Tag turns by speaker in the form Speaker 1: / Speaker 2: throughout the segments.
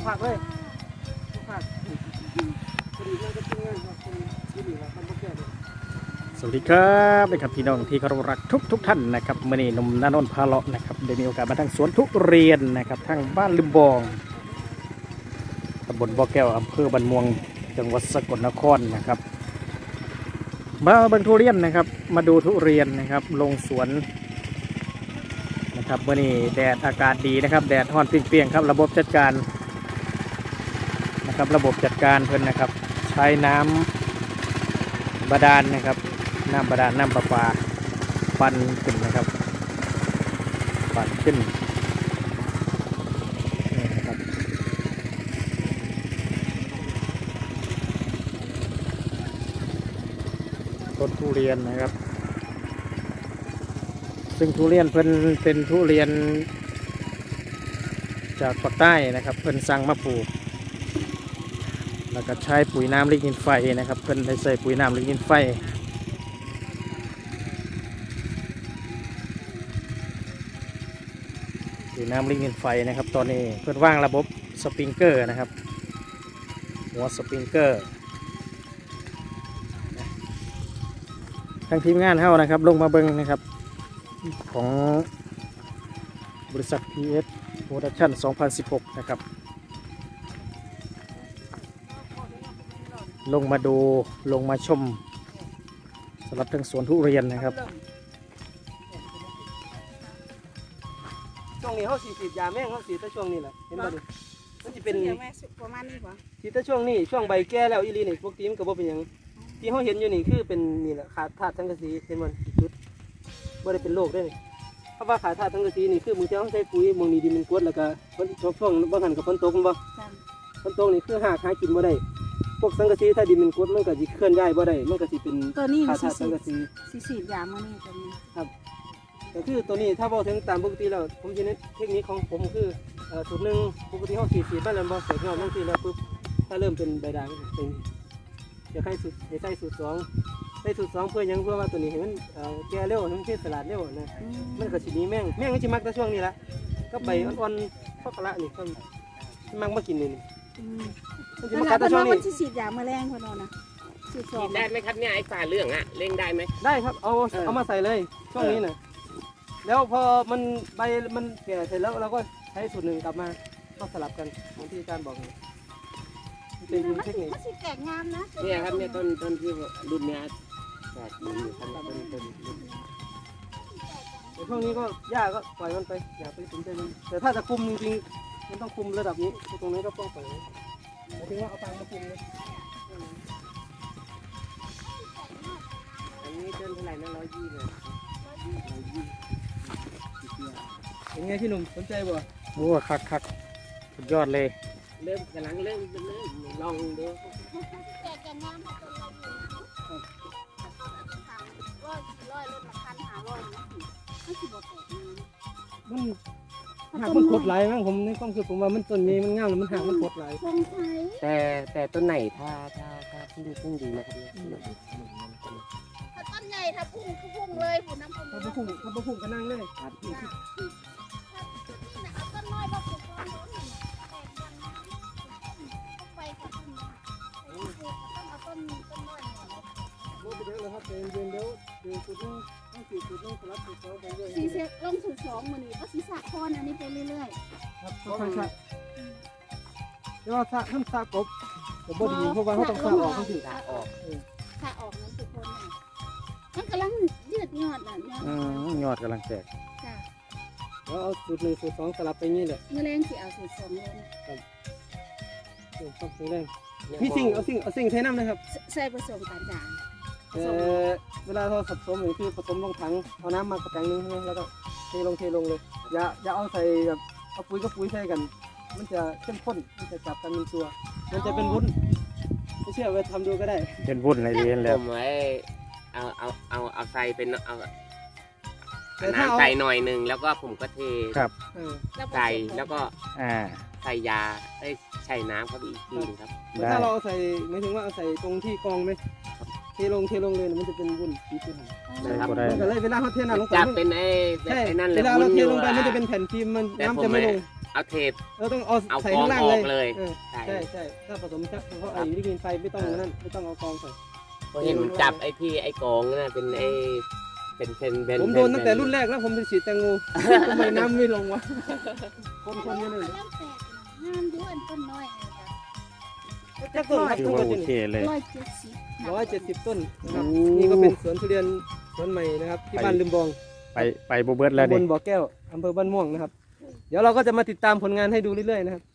Speaker 1: ผักเลยผักพอดีนั่นก็ทิ้งงานครับคนที่ดีแล้วทำพวกแก่เลย
Speaker 2: สวัสดีครับนะครับพี่น้องที่เคารพรักทุกท่านนะครับมื่อนี้หนุ่มนานนท์พาเลาะนะครับได้มีโอกาสมาทางสวนทุเรียนนะครับทางบ้านลืมบองตำบลบ่อแก้วอำเภอบ้านม่วงจังหวัดสกลนครนะครับมาเบิ่งทุเรียนนะครับมาดูทุเรียนนะครับลงสวนนะครับมื่อนี้แดดอากาศดีนะครับแดดร้อนเปรี้ยงๆครับระบบจัดการนะครับระบบจัดการเพิ่นนะครับใช้น้ำบาดาลนะครับน้ำบาดาลน้ำประปาปั่นขึ้นนะครับปั่นขึ้นนี่นะครับต้นทุเรียนนะครับซึ่งทุเรียนเพิ่นเป็นทุเรียนจากภาคใต้นะครับเพิ่นสั่งมาปลูกแล้วก็ใช้ปุ๋ยน้ำลิกนินไฟนะครับเพิ่นได้ใส่ปุ๋ยน้ำลิกนินไฟปุ๋ยน้ำลิกนินไฟนะครับตอนนี้เพิ่นวางระบบสปริงเกอร์นะครับหัวสปริงเกอร์ทางทีมงานเฮานะครับลงมาเบิ่งนะครับของบริษัท PS Production 2016นะครับลงมาดูลงมาชมสำหรับทั้งสวนทุเรียนนะครับ
Speaker 1: ช่วงนี้เขาสีดยาแม่งเขาสีแต่ช่วงนี้แหละเห็นไหมดูมันจะเป็น
Speaker 3: ประมาณนี้ป่ะ
Speaker 1: สีแต่ช่วงนี้ช่วงใบแก่แล้วอีลีนี่ปกติมันก็บ่เป็นอย่างที่เขาเห็นอยู่นี่คือเป็นนี่แหละขาดธาตุสังกะสีเห็นมันจุดบ่ได้เป็นโรคได้เลยเพราะว่าขาดธาตุสังกะสีนี่คือมึงจะต้องใช้ปุ๋ยมึงนี่ดินมันกรดแล้วก็ช่วงบางหันกับฝนตกมันบ่ฝนตกนี่คือหากินบ่ได้พวกสังกะสีถ้าดินมันกรดมันก็สิเคลื่อนย้ายบ่ได้มันก็สิเป็นขาดธาตุสังกะสี
Speaker 3: สียามานี่ตัวนี้
Speaker 1: ครับก็คือตัวนี้ถ้าบอกถึงตามปกติแล้วผมจะเน้นเทคนิคของผมคือสูตรหนึ่งปกติเขาสีบ้านเราบอกเสร็จยอดบางทีแล้วปุ๊บถ้าเริ่มเป็นใบด่างเป็นจะให้สูตรจะใส่สูตรสองได้สูตรสองเพื่อยังเพื่อว่าตัวนี้เห็นมันแก่เร็วมันเทสลัดเร็วนะมันก็สีนี้แม่งมันจะมักแต่ช่วงนี้ละก็ใบอ่อนๆพอกละนี่ก็มักมากินนี่มันจะมากัดแต่ช่วงนี้
Speaker 3: มันสียาแมลงคนนั้นนะ
Speaker 4: ฉีดได้ไหมครับเนี่ยไอ้ฝ่าเรื่องอะเร่งได้ไหม
Speaker 1: ได้ครับเอามาใส่เลยช่วงนี้นะแล้วพอมันใบมันแก่เสร็จแล้วเราก็ใช้สูตรหนึ่งกลับมาก็สลับกันเหมือนที่อาจารย์บอกเลยเป็นเทคนิค
Speaker 3: มันสีแตกงามนะ
Speaker 4: เนี่ยครับเนี่ยต้นที่รุ่นเนี้ยแตกอยู่ข้างต้น
Speaker 1: แต่ช่วงนี้ก็หญ้าก็ปล่อยมันไปอย่าไปสนใจมันแต่ถ้าจะคุมจริงๆมันต้องคุมระดับนี้ตรงนี้ก็ต้องปล่อยถึงว่าเอาตังมาคุมเลย
Speaker 4: อันนี้ต้นเท่าไหร่นะ120เลย
Speaker 1: เป็นไงพี่หนุ่มสนใจบ่
Speaker 2: โอ้คักสุดยอดเลย
Speaker 4: กำลังเริ่มลองดู
Speaker 3: แตกงามค่ะตัวเราอยู่ร้อยรถละคัน500มันสิบ่แตก
Speaker 1: มันหากมันโคตรไหลมั้งผมในความคิดผมว่ามันต้นนี้มันงามแล้วมันหากมันโคตรไหล
Speaker 4: แต่ต้นไหนถ้าพุ่งดีนะครับเนี่ย
Speaker 3: ถ้าต้นใหญ่ถ้าพุ่งเลยพุ่งน้ำพุ่ง
Speaker 1: ถ้าพุ่งก็นั่งเลย
Speaker 3: เอาต้นน้อยมาปลูกต้นโน้นไปค่ะต้นต้องเอาต้นน้อย
Speaker 1: โน้ตไปเยอะเลยครับเย็นเดี๋ยวจุดนึงต้องจุดนึงสลับจุดสองไปเรื่อย
Speaker 3: สีเซ็ตลงสูตร2มื้อนี้ก็สีสะคอนอันนี้ไปเรื่อย
Speaker 1: ๆครับค่อยๆสะเดี๋ยวสะท่านสะกบบ่ดีเพราะว่าเขาต้องสะออกทั้งที
Speaker 3: สะออกนั้นทุกคนมันกำลังยืดยอดน่ะ
Speaker 2: ยอดกำลังแตก
Speaker 3: จ้ะ
Speaker 1: แล้วเอาสูตร1สูตร2สลับไปงี้แหละ
Speaker 3: เมื่อแรงสิเอาสูตร2เลย
Speaker 1: ครับต้องแรงมีสิ่งเอาสิ่งใช้น้ำนะครับ
Speaker 3: ใส่ผสมกันจ้ะ
Speaker 1: เวลาเราผสมคือผสมลงถังเอาน้ำมากระแปงนึงใช่ไหมแล้วก็เทลงเลยอย่าเอาใส่แบบเอาปุ๋ยกับปุ๋ยใส่กันมันจะเข้มข้นมันจะจับกันเป็นตัวมันจะเป็นวุ้นไม่เชื่อไปทำดูก็ได้
Speaker 2: เป็นวุ้นอะไรเรียนแล้ว
Speaker 4: ผมไว้เอาใส่เป็นเอาน้ำใส่หน่อยหนึ่งแล้วก็ผมก็เท
Speaker 2: ครับ
Speaker 4: ใส่แล้วก็ใส่ยาได้ใส่น้ำครับอีกทีนึงครับ
Speaker 1: ถ้าเราใส่หมายถึงว่าเอาใส่ตรงที่กองไหมเทลงเลยมันจะเป็นวุ้นสีขึ้นก็เลยเวลาเขาเทน้ำลงไป
Speaker 4: จะเป็นไอ้นั่นเลย
Speaker 1: เวลาเราเทลงไปมันจะเป็นแผ่นฟิล์มมันน้ำจะไม่ลง
Speaker 4: เอาเทป
Speaker 1: ต้องเอา
Speaker 4: เอา
Speaker 1: ใส่
Speaker 4: กอง
Speaker 1: ข้างล่าง
Speaker 4: อ
Speaker 1: เล
Speaker 4: อย กเลย
Speaker 1: ใช่ใช่ถ้าผสมเพราะไอ้ลิกินไฟไม่ต้องนั่นไม่ต้องเอากองใส่
Speaker 4: พอเห็นผมจับไอ้ที่ไอ้กองน่ะเป็นไอ้เป็น
Speaker 1: ผมโดนตั้งแต่รุ่นแรกแล้วผมเป็นฉีดแตงโมทำไมน้ำไม่ลงวะคนๆกันเลย
Speaker 3: เริ่มแตกงามด้วยต้นน้อยเลยจ้ะ
Speaker 1: จักต้นครับ
Speaker 2: ถือ
Speaker 1: ทุก
Speaker 2: ว่า
Speaker 1: คน
Speaker 2: โอเคเลย
Speaker 3: 170
Speaker 1: ต้นนะครับ
Speaker 2: โอ้
Speaker 1: นี่ก็เป็นสวนทุเรียนสวนใหม่นะครับที่บ้านลืมบอง
Speaker 2: ไปโบเบิร์ตแล้ว
Speaker 1: ตำบ
Speaker 2: นี่
Speaker 1: ลบ่อแก้วอำเภอบ้านม่วงนะครับ เดี๋ยวเราก็จะมาติดตามผลงานให้ดูเรื่อยๆนะครับ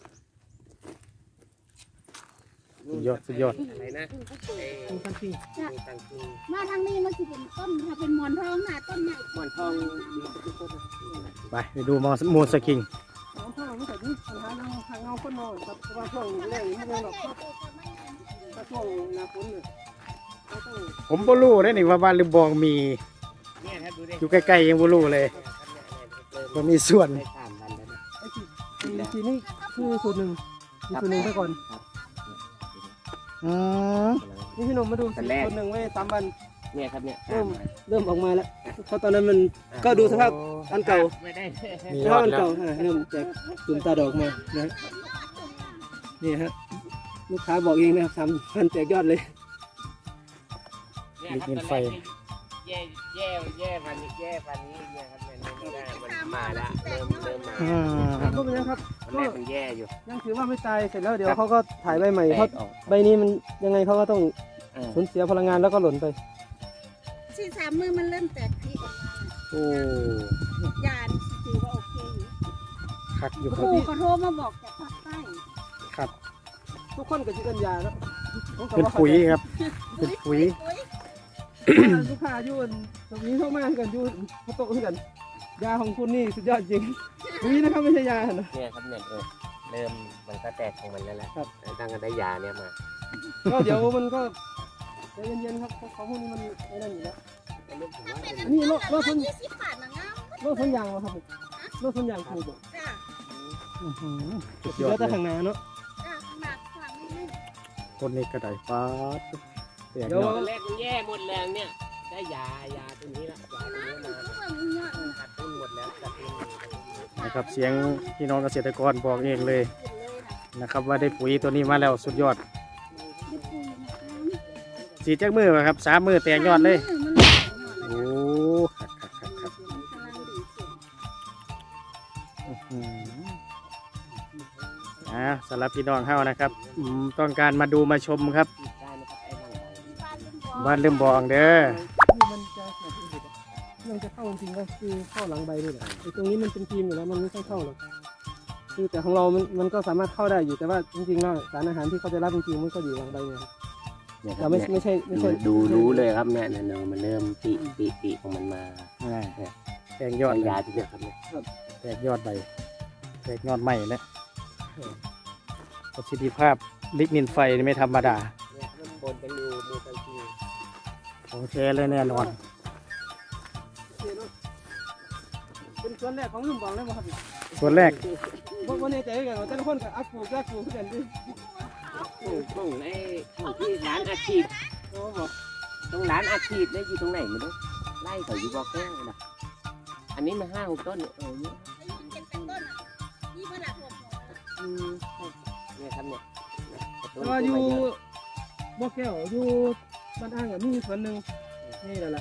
Speaker 2: สุดยอดสุดยอด
Speaker 4: อะไรนะไอ้
Speaker 1: คุณพันจริง
Speaker 4: มีตังคิง
Speaker 3: มาทางนี้มันจะเป็นต้นถ้าเป็นหมอนทองน่ะต้นใหญ่
Speaker 4: หมอนทองดีทุกต้น
Speaker 2: ไปดูมูนสกิง
Speaker 1: น้องพ่อไม่ใส่ที่ปัญหาทางเงาคนนอนครับเพราะว่าช่วงแรกนี่ไม่ได้หรอกถ้าช่วงหน้าฝนเนี่ยก็ต้อง
Speaker 2: ผมบ่รู้ได้นี่ว่าบ้านลืมบองมี
Speaker 4: เนี่ยครับดูดิ
Speaker 2: อยู่ใกล้ๆยังบ่รู้เลยว่ามีส่วน
Speaker 4: ได้3 วันแล้วนะ
Speaker 1: ไอ้ทีนี่คือสูตรหนึ่งมีสูตรหนึ่งไปก่อน
Speaker 2: อืม
Speaker 1: นี่พี่หนุ่มมาดูสูตรหนึ่งไว้3 วัน
Speaker 4: เนี่ยครับเนี่ย
Speaker 1: เริ่มออกมาแล้วเพราะตอนนั้นมันก็ดูสภาพอันเก่า
Speaker 4: ไม่ได้
Speaker 2: มี
Speaker 1: ส
Speaker 2: ย
Speaker 1: ภา
Speaker 2: อ
Speaker 1: พ
Speaker 2: ด
Speaker 1: อัน
Speaker 2: แล้ว
Speaker 1: เก่าเริ่มแจกตุ่มตาดอกมานะฮะนี่ฮะลูกค้าบอกเองนะครับ3 วันแจกยอดเลย
Speaker 4: เนี่ยครับตอนแรกนี่แย่วันนี้เนี่ยครับเนี่ยไม่ได้มันมาแล้วเริ่มมา
Speaker 2: อืม
Speaker 1: ก็เป็นนะครับ
Speaker 4: ตอนแรกมันแย่อยู่
Speaker 1: ยังถือว่าไม่ตายเสร็จแล้วเดี๋ยวเขาก็ถ่ายใบใหม่
Speaker 4: แต
Speaker 1: เพราะ
Speaker 4: กออก
Speaker 1: ใบนี้มันยังไงเขาก็ต้อง
Speaker 4: เออ
Speaker 1: สูญเสียพลังงานแล้วก็หล่นไป
Speaker 3: ที่3 มือมันเริ่มแตกพีออกมา
Speaker 2: โอ้
Speaker 3: ยานถือว่าโอเคอยู่
Speaker 2: คักอยู่
Speaker 3: ค
Speaker 2: ครับ
Speaker 3: รูเขาโทรมาบอกจากภาคใต้
Speaker 2: ครับ
Speaker 1: ทุกคนก็จะกันยาแล้วผมก็
Speaker 2: เป็น
Speaker 1: ว่า
Speaker 2: ปุ๋ยครับ เป็นปุ๋ย
Speaker 1: ลูกค้าอยู่ตรงนี้เข้ามากันอยู่เขาโตขึ้นกัน ยาของคุณนี่สุดยอดจริงปุ๋ยนะครับไม่ใช่ยานะ
Speaker 4: เนี่ยครับเนี่ยเริ่มมันก็แตกของมันแล้วแหละ
Speaker 1: ครับ
Speaker 4: ตั้งแต่ได้ยาเนี่ยมา
Speaker 1: ก็เดี๋ยวมันก็ใจเย็นๆครับของพวกนี้มันไอ้นั่นอยู่แล้ว
Speaker 4: เริ่มถึงว่า
Speaker 1: อันนี้โลดต้น
Speaker 3: 20 บาทนะงาม
Speaker 1: โลดต้นยางเหรอครับผมโลดต้นยางถูกบ่
Speaker 3: จ้ะ
Speaker 2: อื้อหือสุดย
Speaker 1: เดี๋
Speaker 2: อ
Speaker 1: ยว
Speaker 2: ด
Speaker 1: แต่
Speaker 2: เลย
Speaker 1: ข้างหน้าเนาะ
Speaker 3: จ้ะหนักขวางนิดนึง
Speaker 2: ต้นนี้ก็ได้ป้าดแตก
Speaker 1: เดี๋ยว
Speaker 2: เนาะ
Speaker 4: ตอนแรกมันแย่หมดแรงเนี่ยได้ยาตัวนี้ละยาตัวนี้มา
Speaker 3: ทุกคนมีเงาะ
Speaker 4: ขาดทุนหมดแล้วขาดทุน
Speaker 2: นะครับเสียงพี่น้องเกษตรกรบอกเองเลย
Speaker 3: กินเลยนะ
Speaker 2: นะครับว่าได้ปุ๋ยตัวนี้มาแล้วสุดยอด
Speaker 3: ได้ปุ๋ยนะคะ
Speaker 2: สีจักมือครับ3 มือแตกยอดเลย
Speaker 3: มันแตกยอดเลย
Speaker 2: โอ้คักคักคักคัก
Speaker 3: พลังดีสุด
Speaker 2: อื้อหือสำหรับพี่น้องเฮานะครับต้องการมาดูมาชมครับ
Speaker 4: ได้นะครับไอ้บาง
Speaker 2: บ้านลืมบองเด้อ
Speaker 1: นี่มันจะแข็งที่สุดมันจะเข้าจริงๆก็คือเข้าหลังใบนี่แหละไอ้ตรงนี้มันเป็นครีมอยู่แล้วมันไม่ค่อยเข้าหรอกคือแต่ของเรามันก็สามารถเข้าได้อยู่แต่ว่าจริงๆแล้วสารอาหารที่เขาจะรับจริงๆมันก็อยู่หลังใบเนี่ยครับ
Speaker 4: เนี่ยค
Speaker 1: เรา
Speaker 4: รับ
Speaker 1: ไม่ใช่
Speaker 4: ดูรู้เลยครับเนี่ยมันเริ่มปีของมันมา
Speaker 2: แตกยอด
Speaker 4: ใช้
Speaker 2: เลย
Speaker 4: ยาที่เดียวครับเนี่ย
Speaker 2: แตกยอดใบแตกยอดใหม่แล้วประสิทธิภาพลิกนินไฟนี่ไม่ธรรมดา
Speaker 4: เนี่ยมันปนกันอยู่มูกันที
Speaker 2: ของแท้เลยแน่นอน
Speaker 1: เป็นส่วนแรกของลุ่มบองเลยบ่ครับ
Speaker 2: ส่วนแรก
Speaker 1: บ่แน่ใจเหมือนกันว่าแต่ละคนก็อัพปลูกก็ปลูกกันดิ
Speaker 4: ของไอ้ของที่ร้านอาชีพ
Speaker 1: โอ้บอก
Speaker 4: ตรงร้านอาชีพเนี่ยอยู่ตรงไหนไม่รู้ไล่เขาอยู่บอกแก้วนะอันนี้มา5-6 ต้นเนี่ยเนี่ย
Speaker 3: แล้วยิ่งเป็นต้นอ่ะนี่เวลาผม
Speaker 4: เนี่ยครับเนี่ย
Speaker 1: แต่ว่าอยู่บ่อแก้วอยู่บ้านอ่างอ่ะมีส่วนหนึ่งนี่แหละ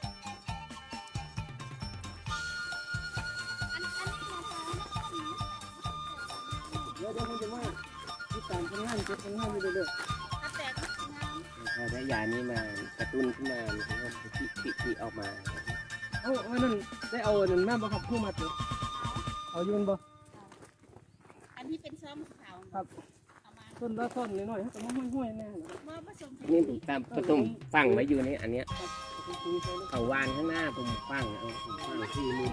Speaker 1: เดี๋ยวผมจะมาติดตามผลงานเก็บผลงานอยู่เรื่อย
Speaker 3: ถ้าแตกงาม
Speaker 4: พอได้ยานี้มากระตุ้นขึ้นมามันก็ปิออกมา
Speaker 1: ๆเอานั่นได้เอานั่นมาบ่ครับผู้มาตัวเอาอยู่บ่
Speaker 3: อันที่เป็นซ้อมขาว
Speaker 1: ครับ
Speaker 3: เอามา
Speaker 1: ต้นละต้นนิดหน่อยก็มาห้วยๆแน่นะ
Speaker 3: เมื่อผสม
Speaker 4: นี่ผมตามผสมฝังไว้อยู่นี่อันเนี้ยเขาวานข้างหน้าผมฝังเอาผมฝังที่มุม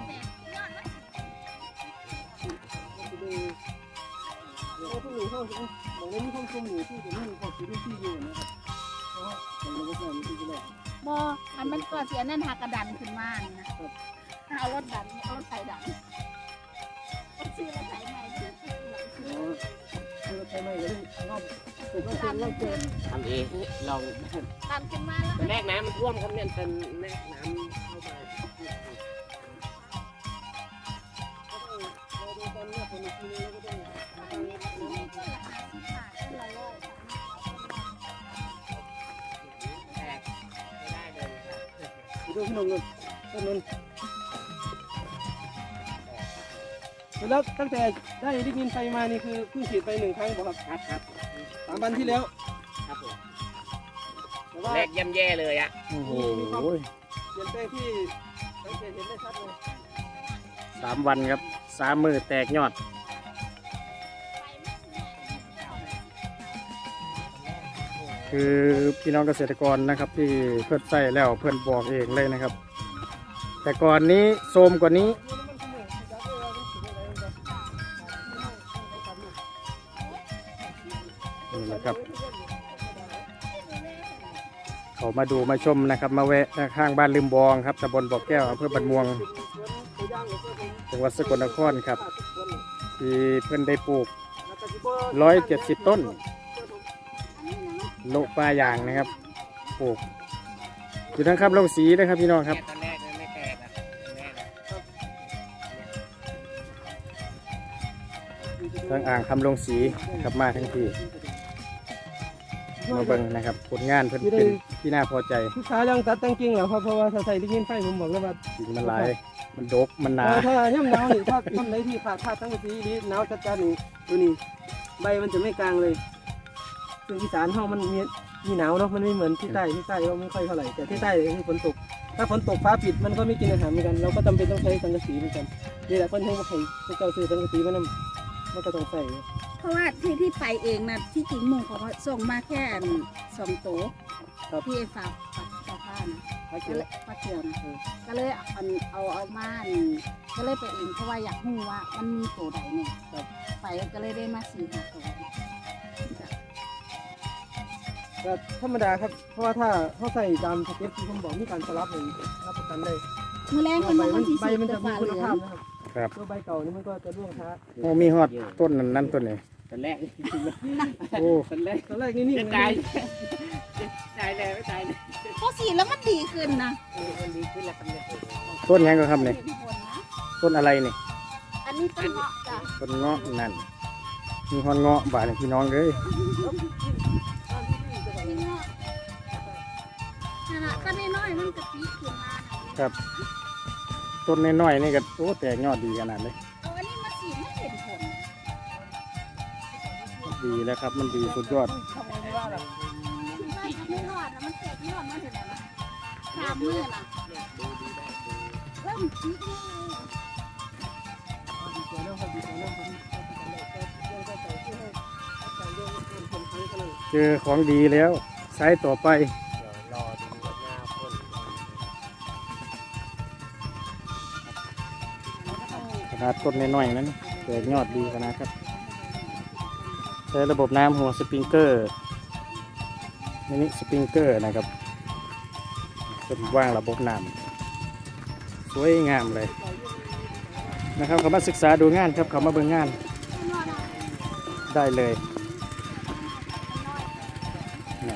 Speaker 1: เราต้องมีข้าวบางเรื่องมีข้าวต้มหมูที่จะนั่งข้าวซีที่อยู่นะครับเพราะว่าเราก็จะมีที่จะ
Speaker 3: บออันมันก็เสียนั่นหักกระดันขึ้นมานี่นะเอารถดันเอารถไถดันต้องซื้อรถไถใหม่ด้วย
Speaker 1: เราใช้ไม่เลยรอบถูกก็
Speaker 3: ดั
Speaker 1: เป็น รอบเกิน
Speaker 4: ทำเองลอง
Speaker 3: ดันขึ้นมาแล้ว
Speaker 4: ตอนแรกน้ำมันท่วมครับเนี่ยตอนแรกน้ำเข้ามา
Speaker 1: เราดูตอนนี้คนอีกทีนึงแล้วก็ต้อง
Speaker 3: อันนี้ก็คือต้นละ50 บาทต้นละ100ค่ะ
Speaker 4: แตกไม่ได้เลยครับ
Speaker 1: ดูขนมเงินต้นนั้นแล้วตั้งแต่ได้ลิกนินไฟมานี่คือเพิ่งฉีดไป1 ครั้งบ่ครับ
Speaker 4: ครับ
Speaker 1: 3 วันที่แล้ว
Speaker 4: ครับผม
Speaker 1: แต่ว่า
Speaker 4: แรกย่ำแย่เลยอะ
Speaker 2: โอ้โห
Speaker 1: เปลี่ยนแปลงที่สังเกตเห็นได้ชัดเลย
Speaker 2: 3 วันครับ3 มือแตกยอด คือพี่น้องเกษตรกรนะครับที่เพื่อนใส่แล้วเพื่อนบอกเองเลยนะครับ แต่ก่อนนี้โทรมกว่านี้นี่แหละครับเขามาดูมาชมนะครับ มาแวะข้างบ้านลืมบองครับตำบลบ่อแก้วอำเภอบันม่วงจังหวัดสกลนครครับที่เพื่อนได้ปลูก170 ต้นโลปลายางนะครับปลูกอยู่ทั้งครับลงสีนะครับพี่น้องครับ
Speaker 4: ตอนแรกมันไม่แตกอะตอนแรกอะ
Speaker 2: ทั้งอ่างคำลงสีครับมาทั้งที่มาเบิ่งนะครับผลงานเพิ่นเป็นที่น่าพอใจ
Speaker 1: ลูกค้ายังตัดตั้งกิ่งแล้วครับเพราะว่าถ้าใส่ลิกนินไฟผมบอกแล้วว่า
Speaker 2: กิ่งมันหลายมันดกมันหนา
Speaker 1: ถ้าย่ำหนาวนี่ถ้าทำไรที่ขาดตั้งสีนี้หนาวจัดๆนี่ตัวนี้ใบมันจะไม่กลางเลยซึ่งอีสานเฮามันมีหนาวเนาะมันไม่เหมือนที่ใต้ก็ไม่ค่อยเท่าไหร่แต่ที่ใต้คือฝนตกถ้าฝนตกฟ้าปิดมันก็ไม่กินอาหารเหมือนกันเราก็จำเป็นต้องใช้สังกะสีเหมือนกันนี่แหละคนให้มาให้พวกเจ้าซื้อสังกะสีมันก็ต้องใส่
Speaker 3: เพราะว่าที่ไปเองนะที่จริงหมู่เขาก็ส่งมาแค่2 ตัวที่ฝากผ้านะ
Speaker 1: ถ้า
Speaker 3: ก็
Speaker 1: เกิด
Speaker 3: เลยปลาเทียมก็เลยเอามาก็เลยไปเองเพราะว่าอยากรู้ว่ามันมีตัวใดเนี่ยไปก็เลยได้มา4-5 ตัว
Speaker 1: ก็ธรรมดาครับเพราะว่าถ้าเขาใส่ตามสเก็ตที่ผมบอกมีการสลับเลยรับประกันได้
Speaker 3: มื้อแรกคนบอกว่าที่
Speaker 1: ใบ
Speaker 3: สิ
Speaker 1: มัน
Speaker 3: จะ
Speaker 1: จะมี
Speaker 3: ฟ้าเห
Speaker 1: คุ
Speaker 3: ลื
Speaker 1: ณ
Speaker 3: อง
Speaker 1: ภาพนะครับ
Speaker 2: ครับ
Speaker 1: ตัวใบเก่านี่มันก็จะร่วงช้า
Speaker 2: โอ้มีฮอดต้นนั้นต้นนี้
Speaker 4: ตอนแรก
Speaker 2: โอ้
Speaker 4: ตอนแรก
Speaker 1: ตอนแรกนี่
Speaker 4: จะตายตายแล้วไม่ตายเลย
Speaker 3: พอสีแล้วมันดีขึ้นนะ
Speaker 4: มันดีขึ้นแล้วครับเนี่ย
Speaker 2: ต้นหยังก็ครับนี่
Speaker 3: เห็นผลนะ
Speaker 2: ต้นอะไรนี่
Speaker 3: อันนี้ต้นเงาะจ้ะ
Speaker 2: ต้นเงาะนั่นมีฮอนเงาะบาดนี่พี่น้องเลย
Speaker 3: ต้นเงาะนั่นน่ะต้นน้อยๆมันกระปีขึ้นมาน่ะ
Speaker 2: ครับต้นน้อยๆนี่ก็โอ้แตกยอดดีขนาดเลย
Speaker 3: เอาอันนี้มาสีไม่เห็นผล
Speaker 2: ดีแล้วครับมันดีสุดยอด
Speaker 3: คิดว่าจะไม่รอดนะมันแตกยอดมาเห็นแล้วนะขามมือน่ะเริ่มจี๊ดเลย
Speaker 2: เจอของดีแล้วใช้ต่อไป
Speaker 4: เดี๋ยวรอดูหน้าพ่น
Speaker 2: ขนาดต้นน้อยๆนั้นแตกยอดดีขนาดครับใช้ระบบน้ำหัวสปริงเกอร์มินิสปริงเกอร์นะครับเป็นว่างระบบน้ำสวยงามเลยนะครับเขามาศึกษาดูงานครับเขามาเบิ่งงานได้เลยนี่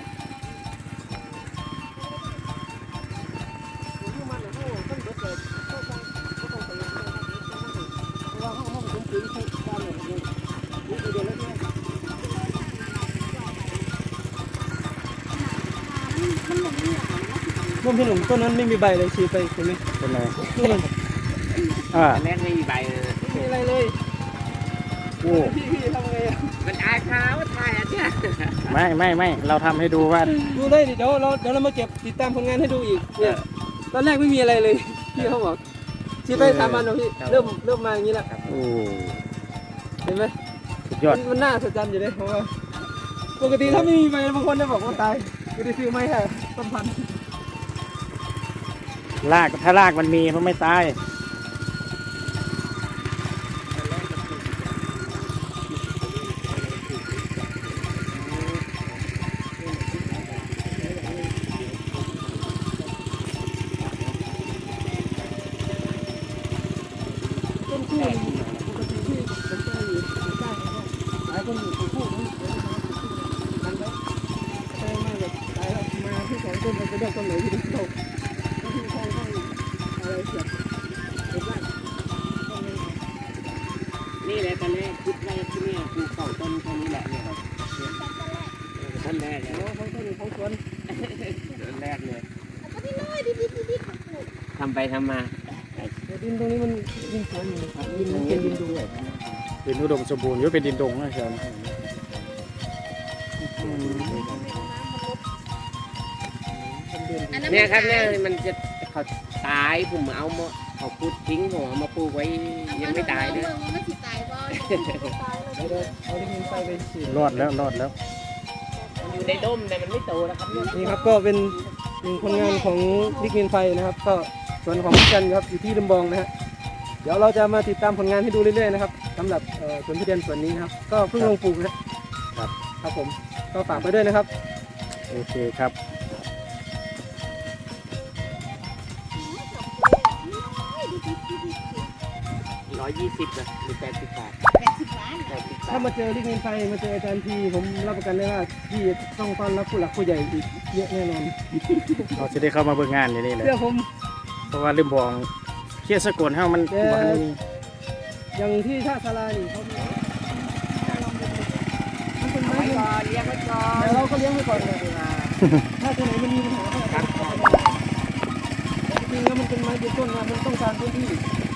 Speaker 1: ร่วมพี่หนุ่มต้นนั้นไม่มีใบเลยฉีดไปเห็นไหม
Speaker 2: เป็นไง
Speaker 1: ดูมัน
Speaker 2: อ่า
Speaker 4: ตอนแรกไม่มีใบเลย
Speaker 1: ไม่มีอะไรเลย
Speaker 2: โอ้
Speaker 1: พี่ทำไงอะ
Speaker 4: มันอายเขาถ่ายอ่ะเนี่ย
Speaker 2: ไม่เราทำให้ดูว่า
Speaker 1: ดูได้ดิเดี๋ยวเรามาเก็บติดตามผลงานให้ดูอีกเนี่ยตอนแรกไม่มีอะไรเลยพี่เขาบอกฉีดไป3 วันแล้วพี่เริ่มมาอย่างนี้แล้ว
Speaker 2: โอ้
Speaker 1: เห็นไหม
Speaker 2: สุดยอด
Speaker 1: มันน่าสะใจอยู่เลยเพราะว่าปกติถ้าไม่มีใบบางคนจะบอกว่าตายไม่ได้ซื้อไม่ค่ะต้นพันธุ์
Speaker 2: รากถ้ารากมันมีมันไม่ตาย
Speaker 4: นี่แหละตอนแรกคิดว่าที่เนี่ยปลูก2 ต้นแค่นี้แหละเนี่ยต้นแรกเลย
Speaker 1: โอ้ของต้นของสวน
Speaker 4: ต้นแรกเลย
Speaker 3: แล้วก็พี่น้อยดิบ
Speaker 4: ทำไปทำมา
Speaker 1: แต่ดินตรงนี้มันดินสวนอยู่นะครับดินมันเป็นดินด้วย
Speaker 2: เป็นอุดมสมบูรณ์อยู่เป็นดินดงนะเชียวนะ
Speaker 3: อันนั้น
Speaker 4: เนี่ยครับเนี่ยมันจะเขาตายผมเอามาเขาพูดทิ้งผมเอามาปลูกไว้ยังไม่ตายเลย
Speaker 3: มันไม่สิตายบ่
Speaker 1: เดี๋ยวเอาดินไฟไปฉีด
Speaker 2: รอดแล้วรอดแล้ว
Speaker 4: มันอยู่ในร่มแต่มันไม่โตนะครับเนี่ย
Speaker 1: นี่ครับก็เป็นหนึ่งผลงานของดิกมินไฟนะครับ ก็สวนของพี่จันครับอยู่ที่ลำบองนะฮะเดี๋ยวเราจะมาติดตามผลงานให้ดูเรื่อยๆนะครับสำหรับสวนทุเรียนสวนนี้นะครับ ก็เพิ่งลงปลูกนะครับครับผมก็ฝากไปด้วยนะครับ
Speaker 2: โอเคครับ
Speaker 4: 120นะหรือ80 บาท
Speaker 3: 80 ล้าน
Speaker 4: 80
Speaker 1: ถ้า
Speaker 4: บาท
Speaker 1: มาเจอดิกมินไฟมาเจออาจารย์ทีผมรับประกันได้ว่าพี่ต้องต้อนรับผู้หลักผู้ใหญ่อีกเยอะแน่นอน
Speaker 2: เราจะได้เข้ามาเบิ่งงานอยู่นี่แหละ
Speaker 1: เชื่อผม
Speaker 2: เพราะว่าลืมบอกเคียสกลเฮามันบ่ทันมี
Speaker 1: อย่างที่ท่าสารานี่เขามีมันเป็น
Speaker 4: เอา
Speaker 1: ไม้
Speaker 4: ไว้
Speaker 1: เลี้ยง
Speaker 4: ก่อนเลี้ยงไว้ก่อน
Speaker 1: แต่เราก็เลี้ยงไว้ก่อนเลยถ้าตัวไหนมันมีปัญหาก็
Speaker 4: ครับ
Speaker 1: จริงๆแล้วมันเป็นไม้ยืนต้นนะมันต้องการพื้นที่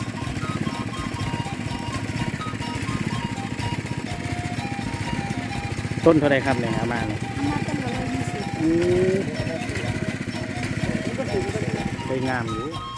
Speaker 2: ต้นเท่าไรครับเนี่ยเอามาเนี่ย
Speaker 3: มาเป็น120
Speaker 2: สวยงามอยู่